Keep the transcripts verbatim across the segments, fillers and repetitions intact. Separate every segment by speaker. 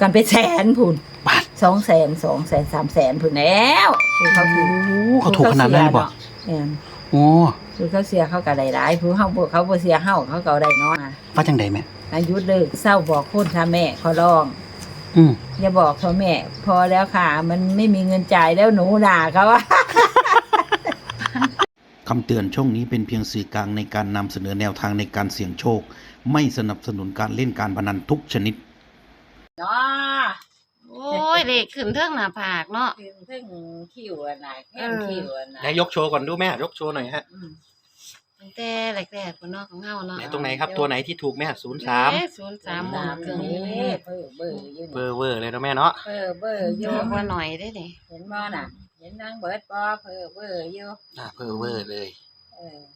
Speaker 1: กันเป็นแสนพุ่น
Speaker 2: บาท
Speaker 1: สองแสนสองแสนสามแสนพุ่นแล้วคือเขาถือ
Speaker 2: โอ้เขาถูกขนาดนั้นเลยบ่
Speaker 1: แม่น
Speaker 2: โอ้
Speaker 1: คือเขาเสียเขาก็ได้หลายผู้เฮาบ่เขาบ่เสียเฮาเขาก็ได้น้อย
Speaker 2: ว่าจังใดแม่
Speaker 1: อายุเลิกเศร้าบอกคนถ้าแม่ขอร้อง
Speaker 2: อืม
Speaker 1: อย่าบอกเขาแม่ พอแล้วค่ะ มันไม่มีเงินจ่ายแล้วหนูด่าเขาว่า
Speaker 2: คำเตือนช่องนี้เป็นเพียงสื่อกลางในการนำเสนอแนวทางในการเสี่ยงโชค ไม่สนับสนุนการเล่นการพนันทุกชนิด
Speaker 1: เนาะ
Speaker 3: โอ้ยเลขขึ้นเทิงหน้าผากเนาะ
Speaker 1: ถึงถึงคิวอันไหนแค่คิวอันไหน
Speaker 2: ไหนยกโชว์ก่อนดูแม่ยกโชว์หน่อยฮะ
Speaker 1: อืม
Speaker 3: ตั้งแต่แรกๆพุ่นเนาะของเฮาเนาะ
Speaker 2: ไหนตรงไหนครับตัวไหนที่ถูกแม่ศูนย์สาม
Speaker 3: ศูนย์สามหม
Speaker 1: สา
Speaker 3: ด
Speaker 1: ม
Speaker 3: เกิน
Speaker 1: นี้เบอร์เบอร์อยู่
Speaker 2: เบอ
Speaker 1: นี่
Speaker 2: ร์เวอร์เลยนะแม่เนาะ
Speaker 1: เบอร์เบอร์อ
Speaker 3: เย
Speaker 1: ยู่
Speaker 3: อะกว่าหน่อยได้ดิ
Speaker 1: เห็นบ่น่ะ เห็นนางเบิดบ่เบอร์เบอร์อยู่
Speaker 2: อ่าเบอร์เวอร์เลย
Speaker 1: เออ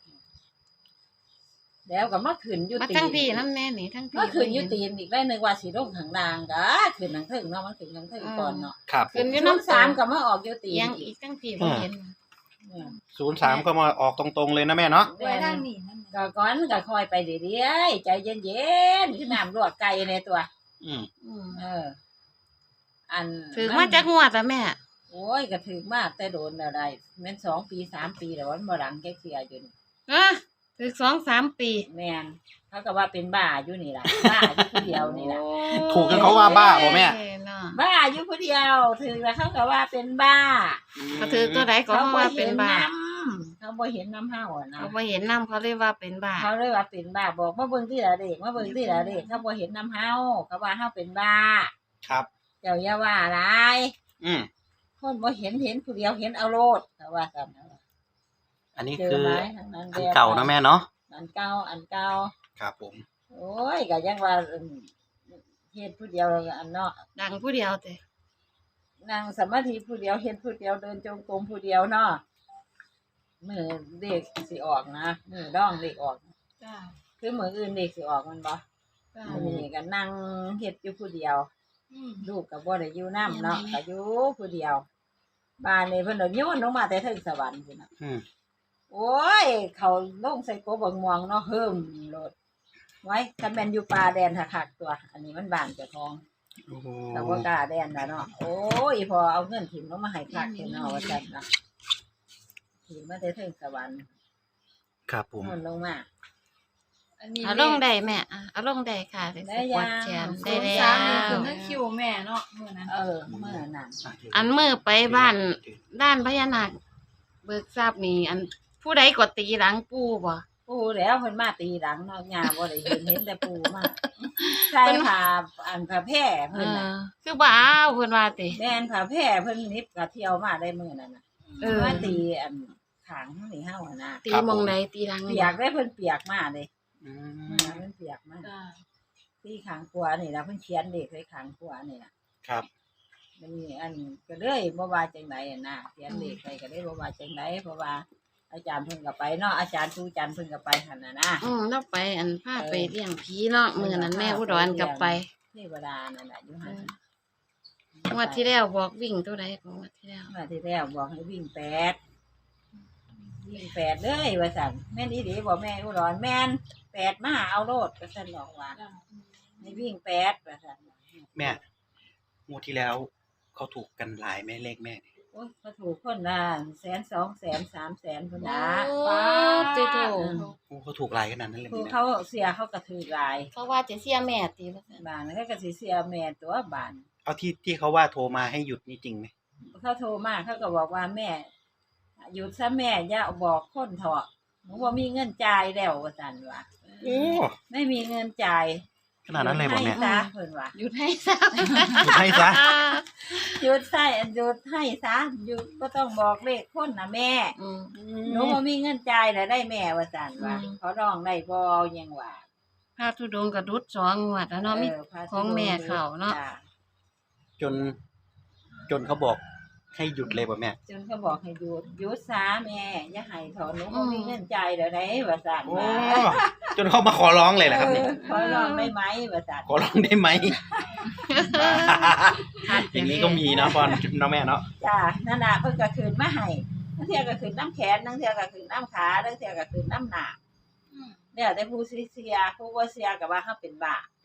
Speaker 1: แล้วก็มาขึ้นอยู่
Speaker 3: มา
Speaker 1: ตี
Speaker 3: ทั้งพี่น้ำแน่นี่ทั้งพี่
Speaker 1: มาขึ้นอยู่ตีนอีกได้นึงว่าสิลงข้างล่างก็ขึ้นทางเทิงเนาะมันขึ้นทางเทิงก่อนเนาะ
Speaker 2: ครับ
Speaker 3: ขึ้นอยู่
Speaker 1: น้
Speaker 3: น้ำ
Speaker 1: สา
Speaker 3: สาม ม
Speaker 1: ก็มาออกอยู่ตีน
Speaker 3: ยัง
Speaker 1: อี
Speaker 3: อี
Speaker 1: ก
Speaker 3: กทั้งพี่บ่เห็น
Speaker 1: เนี่ย
Speaker 2: ศูนย์สามก็มาออกตรงๆเลยนะแม่เนาะ
Speaker 1: แม่นั่งนี่ก็ก่อนก็คอยไปเรื่อยๆใจเย็นๆคือน้ำลวกไก่ในตัว
Speaker 2: อืม
Speaker 3: อืม
Speaker 1: เออ อัน
Speaker 3: ถือมาจากงวดอะแม่
Speaker 1: โอ้ยก็ถือมากแต่โดนอะไรแม่นสองปีสามปีแล้วมันบ่หลังแกเคลียร์อยู่นี่
Speaker 3: อะถือสองสามปี
Speaker 1: แม่นเขาก็ว่าเป็นบ้าอยู่นี่ล่ะ บ้าอยู่ผู้เดียวนี่ล่ะ
Speaker 2: ถูกจนเขาว่าบ้าบ่แม่
Speaker 3: เอ้ยเนาะ
Speaker 1: บ้าอยู่ผู้เดียวถือแล้วเขาก็ว่าเป็นบ้า
Speaker 3: ก็ถือตัวใดก็ว่าเป็นบ้า
Speaker 1: เขาบ่เห็นน้ำเฮาอ่ะนะ
Speaker 3: เขาบ่เห็นน้ำเขาเลยว่าเป็นบ้า
Speaker 1: เขาเลยว่าเป็นบ้าบอกมาเบิ่งที่ละเด็กมาเบิ่งที่ละเด็กเขาบ่เห็นน้ำเฮาเขาว่าเฮาเป็นบ้า
Speaker 2: ครับ
Speaker 1: เจ้าอย่าว่าอะไร
Speaker 2: อืม
Speaker 1: คนบ่เห็นเห็นผู้เดียวเห็นเอาโลดเขาว่าซั่นนะ
Speaker 2: อันนี้
Speaker 1: เจ
Speaker 2: คือ อ
Speaker 1: ไหมทางนั้น
Speaker 2: อันเก่านะแม่เนาะ
Speaker 1: อันเก่าอันเก่า
Speaker 2: ครับผม
Speaker 1: โอ้ยก็ยังว่าอืมเฮ็ดผู้เดียวอันเนาะ
Speaker 3: ดังผู้เดียวแต่
Speaker 1: นั่งสมาธิผู้เดียวเฮ็ดผู้เดียวเดินจงกรมผู้เดียวเนาะมือเด็กสิออกนะมือร้องเด็กออก
Speaker 3: จ้า
Speaker 1: คือมืออื่นเด็กสิออกมันบ่
Speaker 3: จ้า
Speaker 1: อันนี้ก็นั่งเฮ็ดอยู่ผู้เดียว
Speaker 3: อืม
Speaker 1: ลูกก็บ่ได้อยู่นำเนาะก็อยู่ผู้เดียวบ้านนี้เพิ่นก็โยนลงมาแต่ถึงสวรรค์พุ่นน่ะ
Speaker 2: อืม
Speaker 1: โอ้ยเขาลงใส่กบบักม่วงเนาะเฮิ่มโลดไว้คันแม่นอยู่ป่าแดนคักๆตัว อันนี้มันบ้านเจ้าของ
Speaker 2: โอ้โห
Speaker 1: แต่ว่ากล้าแดนแล้วเนาะโอ้ยพอเอาเงินถิ่มลงมาให้คักเห็นเนาะว่าซั่นน่ะถิ่มมาแต่ถึงสวรรค์
Speaker 2: ครับผม
Speaker 1: มันลงมา
Speaker 3: เอาลงได้แม่อ่ะเอาลงได้ค่ะ
Speaker 1: ได้ยัง
Speaker 3: วัดแขนได้
Speaker 4: ศูนย์
Speaker 3: แล้
Speaker 4: สามนี่
Speaker 3: ว
Speaker 4: คือนั่นคิวแม่เนาะมื้อนั้น
Speaker 1: เออเมื่อนั้น
Speaker 3: อันมือไปบ้านด้านพญานาคเบิกทราบนี่อันผู้ใดกดตีหลังปู่บ่
Speaker 1: ปูแล้วเพิ่นมาตีหลังเนาะยาบ่ได้เห็นเห็นแต่ปูมาใส่ผ้าอันผ้าแพร่
Speaker 3: เอ
Speaker 1: เพิ่นน่ะ
Speaker 3: อคือบ่เอาเพิ่นว่าติ
Speaker 1: แม่นผ้าแพร่เพิ่นนิบก็เที่ยวมาได้มื้อนั้นน่ะ
Speaker 3: เออ
Speaker 1: มาตีอันขางนี่เฮาอะนะ
Speaker 3: ตีหมองใดตีหลัง
Speaker 1: เปียกได้เพิ่นเปียกมาเด้
Speaker 2: อื
Speaker 1: เมื่อ
Speaker 2: ม
Speaker 1: นั้นเพิ่นเปียกมา
Speaker 4: จ้า
Speaker 1: ตีขางขวานี่ล่ะเพิ่นเขียนเลขไว้ขางขวานี่ล่ะ
Speaker 2: ครับ
Speaker 1: มันมีอันก็เลยบ่ว่าจังไดอะนะเขียนเลขไปก็เลยบ่ว่าจังไดเพราะว่าอาจารย์เพิ่นก็ไปเนาะอาจารย์ครูจันทร์เพิ่นก็ไปหั่นน่ะนะ
Speaker 3: อืมเราไปอันพาไปเลี้ยงผีเนาะมื้อนั้นแม่อุดรกลับไป
Speaker 1: เทวดานั่นน่ะอยู่หั่น
Speaker 3: งวดที่แล้วบอกวิ่งตัวใดของงวดที่แล้ว
Speaker 1: เมื่อที่แล้วบอกให้วิ่งแปดวิ่งแปดเลยว่าสั่นแม่นอีหลีบอกแม่อุดรแม่นแปดมาเอาโลดว่าสั่นบอกว่าให้วิ่งแปดว่าสั่น
Speaker 2: แม่งวดที่แล้วเขาถูกกันหลายแม่เลขแม่เนี่ย
Speaker 1: โอ้ยเขาถูกคนละแสนสองแสนสามแสนคนละ
Speaker 3: ป้าติโต
Speaker 2: โอ้เขาถูกหลายขนาดนั้นเลย
Speaker 1: คือ
Speaker 2: แม่
Speaker 1: เขาเสียเขากระถือหลาย
Speaker 3: เขาว่าจะเสียแม่ติว่าซั่น
Speaker 1: บานแล้วก็กระสีเสียแม่ตัวบาน
Speaker 2: เอาที่ที่เขาว่าโทรมาให้หยุดนี่จริงไหม
Speaker 1: เขาโทรมาเขาก็บอกว่าแม่หยุดซะแม่อย่าบอกคนเถอะหนูว่ามีเงินจ่ายแล้วว่าสั่นว่า
Speaker 2: โอ้
Speaker 1: ไม่มีเงินจ่าย
Speaker 2: ขนาดนั้นเลยบอกแม่
Speaker 1: ให้ซะเพิ่นว่า
Speaker 3: หยุดให้ซะ
Speaker 2: หยุดให้ซะ
Speaker 1: หยุดใส่หยุดให้ซะหยุดก็ต้องบอกเลขคนนะแม่
Speaker 3: อืม
Speaker 1: หนูบ่มีเงินจ่ายแล้วได้แม่ว่าซั่นว่า
Speaker 3: อืม
Speaker 1: เขาร้องได้บ่ยังว่า
Speaker 3: พระธุดงค์ก็ดุดสองงวดแล้วเนาะมี
Speaker 1: ออพระ
Speaker 3: ของแม่เขาเนาะ
Speaker 1: จ้
Speaker 2: จน จนเขาบอกให้หยุดเลยป่ะแม่
Speaker 1: จนเขาบอกให้หยุดหยุดซะแม่อย่าให้ถอนหนูบ่มีเงินจ่ายแล้วได้ว่าซั่น
Speaker 2: โอ้
Speaker 1: ว่า
Speaker 2: จนเขามาขอร้องเลยแหละครับเนี่ย
Speaker 1: เออขอร้องได้ไหมว่าซั่น
Speaker 2: ขอร้องได้ไหม อย่างนี้ก็มีเนาะพอนเนาะแม่เนาะ
Speaker 1: จ้านั่นน่ะเพิ่นก็คืนมาให้ทั้งเที่ยก็คืนน้ำแขนทั้งเที่ยก็คืนน้ำขาทั้งเที่ยก็คืนน้ำหน้าแล้วแต่ผู้สิเสียผู้บ่เสียก็ว่าเฮาเป็นบ้า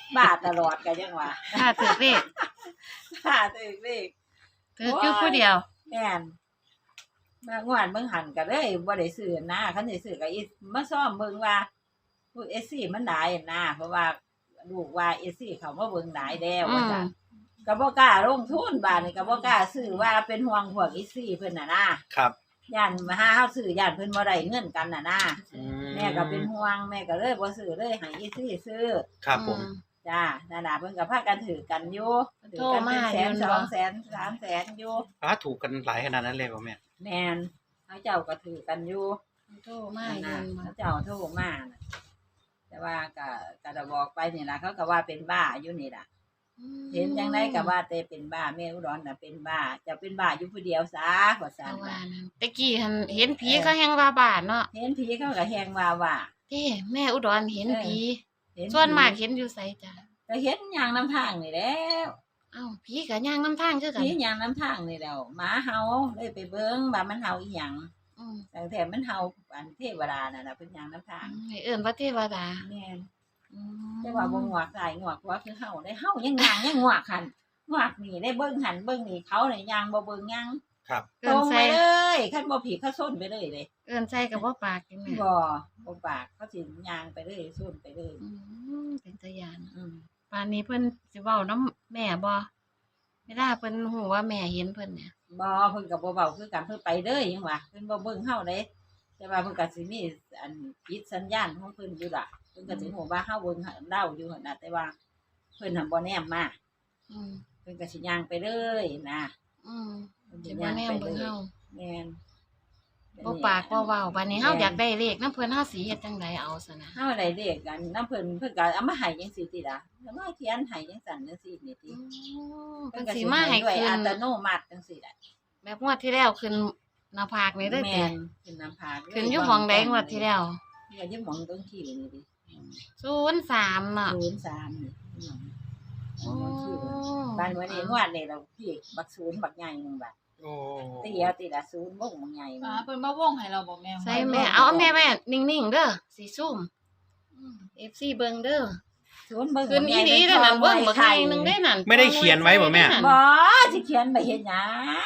Speaker 1: บ้าตลอดก็ยังว่า
Speaker 3: ถ้าถือเลข
Speaker 1: บ้าตึกเลข
Speaker 3: ถืออยู่ผู้เดียว
Speaker 1: แม่นมางวดเบิ่งหันก็เลยบ่ได้ซื้อนะคันสิซื้อก็อีมาซ่อมเบิ่งว่าผู้ เอส ซี มันหลายนะเพราะว่าลูกว่า เอส ซี เขามาเบิ่งหลายแล้วว่าซั่นก็บ่กล้าลงทุนบาดนี้ก็บ่กล้าซื้อว่าเป็นห่วงพวก เอส ซี เพิ่นน่ะนะครับ ย่านมาหาเฮาซื้อย่านเพิ่นบ่ได้เงินกันน่ะนะ
Speaker 2: อืม
Speaker 1: แม่ก็เป็นห่วงแม่ก็เลยบ่ซื้อเลยให้ เอส ซี ซื้อ
Speaker 2: ครับผม
Speaker 1: จ้านั่นล่ะเพิ่นก็พากันถือกันอยู่ถือกันเป็นแสนสองแสนสามแสนอยู่
Speaker 2: อ้าถูกกันหลายขนาดนั้นเลยป่ะแม่
Speaker 1: แม่นเขาเจ้าก็ถือกันอยู่
Speaker 3: โทรมา
Speaker 1: นั่น
Speaker 3: เงิ
Speaker 1: น่ะ
Speaker 3: นมา
Speaker 1: เขาเจ้าโทรมาน่ะแต่ว่าก็ก็ได้บอกไปนี่ล่ะเขาก็ว่าเป็นบ้าอยู่นี่ล่ะเห็นจังไดก็ว่าแต่เป็นบ้าแม่อุดรน่ะเป็นบ้าจะเป็นบ้าอยู่ผู้เดียวซะว่าซั่
Speaker 3: เอา
Speaker 1: น
Speaker 3: ว่า
Speaker 1: ว่า
Speaker 3: นั่นตะกี้หันเห็นผีเขาแฮงว่าบาดเนาะ
Speaker 1: เห็นผีเขาก็แฮงว่าว่า
Speaker 3: เด้แม่อุดรเห็นผี
Speaker 1: เห็น
Speaker 3: ส่วนมากเห็นอยู่ไสจ้ะ
Speaker 1: ก็เห็นย่างน้ำทางนี่แล้ว
Speaker 3: เอ้าผีก็ย่างนำทางคือกัน
Speaker 1: ผีย่างน้ำทางนี่แล้วหมาเห่าเลยไปเบิ่งว่ามันเห่าอีหยัง
Speaker 3: อืม
Speaker 1: แต่แถมมันเห่าอันเทวดาน่ะล่ะเพิ่นย่างน้ำทาง
Speaker 3: ให้เอิ้นว่าเทวดา
Speaker 1: แม่น
Speaker 3: อืม
Speaker 1: แต่ว่าบ่งวกใส่งวกว่าคือเฮาได้เฮายังย่างยังงวกหันงวกนี่ได้เบิ่งหันเบิ่งนี่เขาเนี่ยย่างบ่เบิ่งยัง
Speaker 2: ครับ
Speaker 1: ต
Speaker 3: เอิ้
Speaker 1: ร
Speaker 3: น
Speaker 1: งไป
Speaker 3: ใส่
Speaker 1: เลยคันบ่ผิดเขาส้นไปเลยเลย
Speaker 3: เอิ้นใส่ก็บ่ปากจังแม่
Speaker 1: บ่บ่ปากเขาสิย่างไปเลยส้นไปเลย
Speaker 3: อืมเป็นตาย่าน
Speaker 1: อืม
Speaker 3: ป่านนี้เพิ่นสิเว้านำแม่บ่เวลาเพิ่นฮู้ว่าแม่เห็นเพิ่นเนี่ย
Speaker 1: บ่เพิ่นก็บ่เว้าคือกันเพิ่นไปเลยยังว่าเพิ่นบ่เบิ่งเฮาเด้แต่ว่าเพิ่นก็สิมีอันปิดสัญญาณของเพิ่นอยู่ล่ะเพิ่นก็สิฮู้ว่าเฮาเบิ่งเล่าอยู่หั่นน่ะแต่ว่าเพิ่นน่ะบ่แนมมา
Speaker 3: อืม
Speaker 1: เพิ่นก็สิย่างไปเลยนะ
Speaker 3: อืม
Speaker 1: เพิ่น
Speaker 3: สิ
Speaker 1: สิ
Speaker 3: บ่
Speaker 1: ย่าง
Speaker 3: แน
Speaker 1: ไป
Speaker 3: ม
Speaker 1: เล
Speaker 3: เบิ่ง
Speaker 1: ย
Speaker 3: เฮา
Speaker 1: แม่น
Speaker 3: บ่ปากบ่เว้าบัดนี้เฮาอยากได้เลขนำเพิ่นเฮาสิเฮ็ดจังไดเอาซะนะ
Speaker 1: เฮาได้เลขกันน้ำเพิ่นเพิ่นก็เอามาให้จังซี่ติล่ะแล้วมาเขียนให้จังซั่นจังซี่นี่ติ
Speaker 3: อืม
Speaker 1: เพิ่
Speaker 3: เพิ่
Speaker 1: น
Speaker 3: น
Speaker 1: ก็
Speaker 3: สิ
Speaker 1: สิ
Speaker 3: มา
Speaker 1: มา
Speaker 3: ให้
Speaker 1: ให้ด้วย
Speaker 3: ขึ้
Speaker 1: อั
Speaker 3: น
Speaker 1: ตโนมัติจังซี่แหละ
Speaker 3: แบบงวดที่แล้วขึ้นหน้าผากนี่เด้อ
Speaker 1: แม่
Speaker 3: ติ
Speaker 1: นขึ้นน้ำผาก
Speaker 3: ขึ้นอยู่หม่องใดงวดที่แล้ว
Speaker 1: เนี่ยอยู่หม่องตรงขี้นี่ดิ
Speaker 3: ศูนย์สามเนาะ
Speaker 1: ศูนย์สามนี่หม่อง
Speaker 3: โอ้
Speaker 1: บ้านวันนี้งวดนี่เราพี่บักศูนย์บักใหญ่หนึงบัด
Speaker 2: โอ้
Speaker 1: ตีเอาตีละศูนย์บ่งบักใหญ่
Speaker 4: อ่า
Speaker 1: มัน
Speaker 4: เพิ่นมาวงให้เราบอกแม่
Speaker 3: ใส่แม่เอาแม่แม่นิ่งๆเด้อสิซุ่ม เอฟ ซี เบิ่งเด้อ
Speaker 1: ศูนย์เบิ่ง
Speaker 3: ขึ้นอีหลีเด้อนั่นเบิ่งบักใหญ่หนึงเด้อนั่น
Speaker 2: ไม่ได้เขียนไว้บ่แม่
Speaker 1: บ่สิเขียนไปเฮ็ดหยัง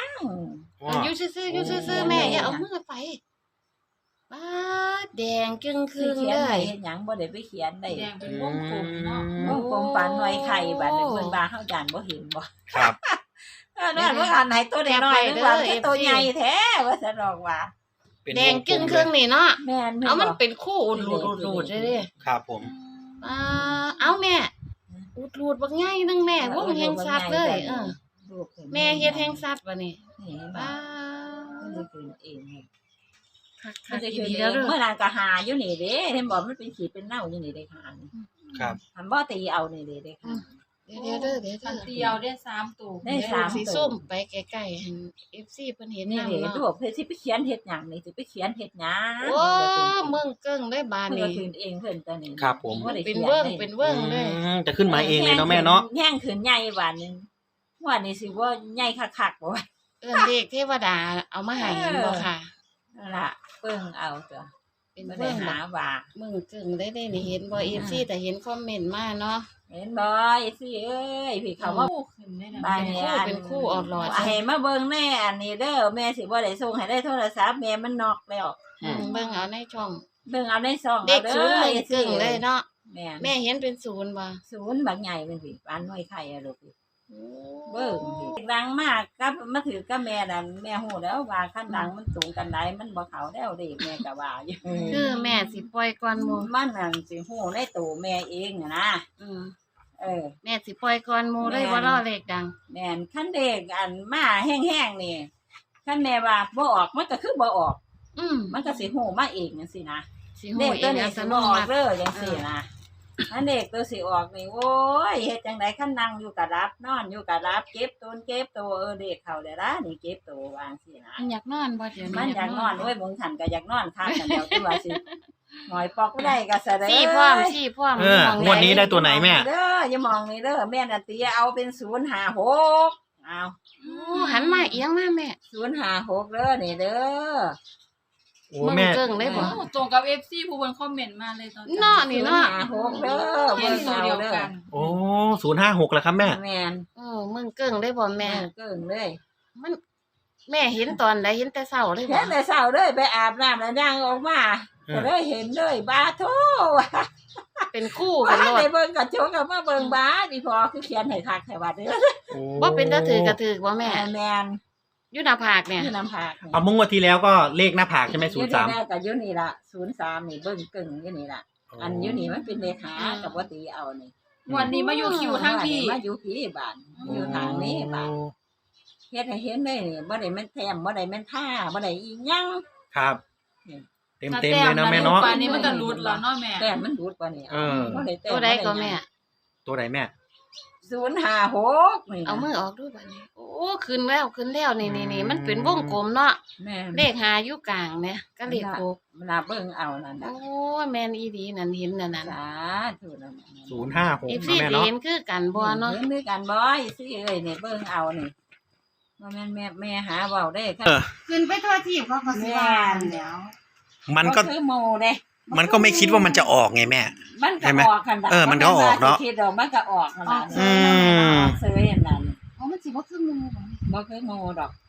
Speaker 2: ว้า
Speaker 3: อยู่ซื่อๆอยู่ซื่อๆแม่อย่าเอามือไปป้าดแดงจึงค
Speaker 1: สิ
Speaker 3: รึ่ง
Speaker 1: เขียน
Speaker 3: เล
Speaker 1: ไป
Speaker 3: ย
Speaker 1: เฮ็ดหยังบ่ได้ไปเขียนได้
Speaker 4: แดงเป็นวงกลมเนาะ
Speaker 1: วงกลมปานหน่วยไข่บัดนี้เพิ่นว่าเฮาจานบ่เห็นบ่
Speaker 2: ครับ
Speaker 1: เออนั่นว่าอันไหนตัวน้อยๆนึกว่าเป็นตัวใหญ่แท้ว่าซั่นดอกว่า
Speaker 2: เป็น
Speaker 3: แดง
Speaker 2: วกล
Speaker 3: จึง
Speaker 2: ม
Speaker 3: ครึ่งนี่เนาะ
Speaker 1: แม่น
Speaker 3: เอามัน
Speaker 1: บ่
Speaker 3: เป็นคู่อุดรูดอุดรูดเด้อ
Speaker 2: ครับผม
Speaker 3: ป้าเอาแม่อุดรูดบักใหญ่หนึงแม่วงแห่งสัตว์เลยเออ
Speaker 1: ลูกพิ่น
Speaker 3: แม่เฮ็ดแห่งสัตว์บัดนี้
Speaker 1: นี่เห็นบ่
Speaker 3: ป้า
Speaker 1: เพิ่นสิขึ้นเองนี่
Speaker 3: คัก
Speaker 1: เพิ่น
Speaker 3: ๆ
Speaker 1: จะ
Speaker 3: อี
Speaker 1: ขึ้น
Speaker 3: ดี
Speaker 1: เอ
Speaker 3: แล้ว
Speaker 1: ง
Speaker 3: เด้อ
Speaker 1: เมื่อนานก็หาอยู่นี่เด้เห็นบ่มันเป็นขีดเป็นเน่าอยู่นี่เด้ค่ะนี่
Speaker 2: ครับ
Speaker 1: หันบ่ตีเอานี่เด้เด้ค่ะ
Speaker 3: เดี๋ยวเดี๋ยวเด้อเดี๋ยว
Speaker 4: คัน
Speaker 3: เด้อ
Speaker 4: เดียวได้สามตัว
Speaker 1: ได้สาม
Speaker 3: สีส้มไปใกล้ๆให้ เอฟ ซี เพิ่นเห็น
Speaker 1: นี่
Speaker 3: นำ
Speaker 1: เด้
Speaker 3: เนาะ
Speaker 1: ลูกเพิ่นสิไปเขียนเฮ็ดหยังนี่สิไปเขียนเฮ็ดหยัง
Speaker 3: โอ้เมืองเกิ้งได้บาด
Speaker 1: เพิ่นก็
Speaker 3: นี้
Speaker 1: ขึ้นเองเพิ่นตัวนี้
Speaker 2: ครับผม
Speaker 1: บ่ได้
Speaker 3: เป็น
Speaker 1: ขีย
Speaker 3: เวิ้ง
Speaker 1: ลย
Speaker 3: เป็นเวิ้งเลย
Speaker 2: อืมจะขึ้นมาเองเลยเนาะแม่เนาะ
Speaker 1: แห้งขึ้นใหญ่บาดนึงว่านี่สิว่าใหญ่คักๆบ่ว่า
Speaker 3: เอิ้นเลขเทวดาเอามาให้เห็นบ่ค่ะ
Speaker 1: นั่นล่ะเบิ่งเอาตัว
Speaker 3: เป็น
Speaker 1: บ่
Speaker 3: เวิ้
Speaker 1: ได้
Speaker 3: ง
Speaker 1: หา
Speaker 3: บัก
Speaker 1: ว่า
Speaker 3: เมืองเกิ้งได้ได้นี่เห็นบ่ เอฟ ซี แต่เห็นคอมเมนต์มาเนาะ
Speaker 1: เห็นบ่ไอ้สิเอ้ยพี่เขาว่า
Speaker 4: คู่ขึ้นได้นะ
Speaker 1: บ้าน
Speaker 3: เป็น
Speaker 1: นี้
Speaker 3: คู่
Speaker 1: อัน
Speaker 3: เป็นคู่ออดหลอด
Speaker 1: ให้มาเบิ่งแน่อันนี้เด้อแม่สิบ่ได้ส่งให้ได้โทรศัพท์แม่มันนอกแล้ว
Speaker 2: อืม
Speaker 3: เบิ่งเอาในช่อง
Speaker 1: เบิ่งเอาในซอง
Speaker 3: เด็
Speaker 1: เอา
Speaker 3: ก
Speaker 1: เด้
Speaker 3: ศูนย์
Speaker 1: อ
Speaker 3: เมือง
Speaker 1: ไอ้
Speaker 3: เกิ้งเลยเนาะ
Speaker 1: แม่
Speaker 3: แม่เห็นเป็นศูนย์บ่
Speaker 1: ศูนย์บักใหญ่เป็นพี่ปานน้อยไข่อะลูกพี่
Speaker 3: โอ้
Speaker 1: เบิ่งพี่ดังมากกับมาถือกับแม่นั่นแม่ฮู้แล้วว่าคันดังมันสูงกันไดมันบ่เข้าแล้วเด้แม่ก็ว่าอยู่
Speaker 3: คือแม่สิปล่อยก่อนหมู่
Speaker 1: มันนั่นสิฮู้ในตัวแม่เองน่ะนะ
Speaker 3: อืม
Speaker 1: เออ
Speaker 3: แม่สิปล่อยก่อนหมู่เลยบ่รอเลขดัง
Speaker 1: แม่นคันเด็กอันมาแห้งๆนี่คันแม่ว่าบ่ออกมันก็คือบ่ออก
Speaker 3: อืม
Speaker 1: มันก็สิฮู้มาเองจังซี่นะ
Speaker 3: สิ
Speaker 1: เด็
Speaker 3: ฮู้
Speaker 1: ก
Speaker 3: เอ
Speaker 1: ตัว
Speaker 3: ง
Speaker 1: นี้
Speaker 3: อัต
Speaker 1: สิ
Speaker 3: โน
Speaker 1: บ่ออก
Speaker 3: มัติ
Speaker 1: เด้อจังซี่นะอันเด็กตัวสิออกนี่โอ้ยเฮ็ดจังไดคันนั่งอยู่ก็รับนอนอยู่ก็รับเก็บตนเก็บตัวเออเด็กเข้าได้ละนี่เก็บตัววาจังซี่นะ
Speaker 3: มันอยากนอนบ่เดี๋ยวนี้
Speaker 1: มันอยากนอนโอ้ยบางขันก็อยากนอนค้างกันเดียวที่ว่าสิหอยปอกบ่ได้ก็ซะเด้อ
Speaker 3: สี่พร้อมสี่พร้อม
Speaker 2: เออ
Speaker 3: มอง
Speaker 2: งวดนี้ได้ตัวไหนแม่
Speaker 1: เด้ออย่ามองนี่เด้อแม่น่ะตีเอาเป็นศูนย์ห้าหกเอา
Speaker 3: โอ้หันมาเอียงมาแม่
Speaker 1: ศูนย์ห้าหกเด้อนี่เด้อ
Speaker 5: โอ้
Speaker 3: มึง
Speaker 5: แม่
Speaker 3: เกิ้งได้บ่
Speaker 4: โอ้ตรงกับ เอฟ ซี ผู้บนคอมเมนต์มาเลยตอน
Speaker 3: เนาะนี่เนาะ
Speaker 1: หาหกเด้อ
Speaker 4: เขีย
Speaker 1: เบิ่
Speaker 4: น
Speaker 1: ง
Speaker 4: ตัว
Speaker 1: เอา
Speaker 4: เดียว
Speaker 1: เด้อ
Speaker 4: กัน
Speaker 5: โอ้ศูนย์ห้าหกแล้วครับแม่
Speaker 1: แม่น
Speaker 3: เออมึงเกิ้งได้บ่แม่
Speaker 1: แม่เกิ่งเลย
Speaker 3: มัน แม่เห็นตอนใดเห็นแต่เช้าเลยบ่
Speaker 1: เห็นแต่เช้าเลยไปอาบน้ำแล้วย่างออกมา
Speaker 5: เออ
Speaker 1: ก็เลยเห็นเลยบาโท
Speaker 3: เป็นคู่
Speaker 1: ว่า
Speaker 3: กันโลด
Speaker 1: ได้เบิ่งกระจกก็มาเบิ่งบาดีพอคือเขียนให้คักให้ว่าเด้อ
Speaker 5: โอ้
Speaker 3: บ่เป็นตาถือกระถือบ่แม่
Speaker 1: แม่แม่น
Speaker 3: อยู่หน้าผากเนี่ย
Speaker 1: ที่น้ำผักนี่
Speaker 5: เอามุ่งวันที่แล้วก็เลขหน้าผากใช่ไหมศูนย์สาม
Speaker 1: อยู่นี่แน่ก็อยู่นี่ล่ะศูนย์สามนี่เบิ่งเกิ่งอยู่นี่ล่ะ อันอยู่นี่มันเป็นเลขากับว่าตีเอานี่
Speaker 4: วันนี้มาอยู่คิวทั้งพี่
Speaker 1: มาอยู่พี่บ้านอยู่ทางนี้บ้านเฮ็ดให้เห็นเลยนี่บ่ได้แม่นแถมบ่ได้แม่นท่าบ่ได้อีหยัง
Speaker 5: ครับ
Speaker 1: นี่
Speaker 5: เต็มเต็มเลยนะแม่เนาะ
Speaker 4: ป่านนี้มันก็รุดแล้วเนาะแม่
Speaker 1: แต่มันดูดกว่านี้
Speaker 5: เออ
Speaker 1: บ่ได้แต้ม
Speaker 3: ตัวใดก็แม่
Speaker 5: ตัวไหนแม่
Speaker 1: ศูนย์ห้าหกนี่
Speaker 3: เอามือออกดูบัดนี้ โอ้ขึ้นแล้วขึ้นแล้วนี่นี่นี่มันเป็นวงกลมเนาะ
Speaker 1: แม่
Speaker 3: เลขหาอยู่กลางเนี่ยก็เลขหก
Speaker 1: เวลาเบิ่งเอานั่น
Speaker 3: โอ้
Speaker 1: น่ะ
Speaker 3: ยแม่นอีดีนั่นเห็นนั่นน่ะ
Speaker 1: สาธุนั่นน่ะ
Speaker 5: ศูนย์ห้าหก
Speaker 3: อี
Speaker 5: นะ
Speaker 3: ซี่
Speaker 5: แม่เนาะ
Speaker 3: เห็นคือกันบ่เนาะ
Speaker 1: เห็นด้วยกันบ่อยสิเอ้ยนี่เบิ่งเอานี่บ่แม่นแม่แม่หาเว้าได้ค่ะ
Speaker 5: เออ
Speaker 3: ขึ้นไปทั่วที่เขาก็สิว่าแล้ว
Speaker 5: มันก็
Speaker 1: บ่คือหมู่เด้
Speaker 5: มันก็ไม่คิดว่ามันจะออกไงแม่
Speaker 1: มัน
Speaker 5: ใช่
Speaker 1: ก็
Speaker 5: ไหม
Speaker 1: ออกกัน
Speaker 5: เออมันก็ออกเนาะ
Speaker 1: คิดดอกมันก็ออกนั่นล่ะ
Speaker 5: อืม
Speaker 1: ซื้ออย่างนั้น
Speaker 3: อ๋อมันสิบ่คือหมู่บ่
Speaker 1: บ่คือหมู่ดอก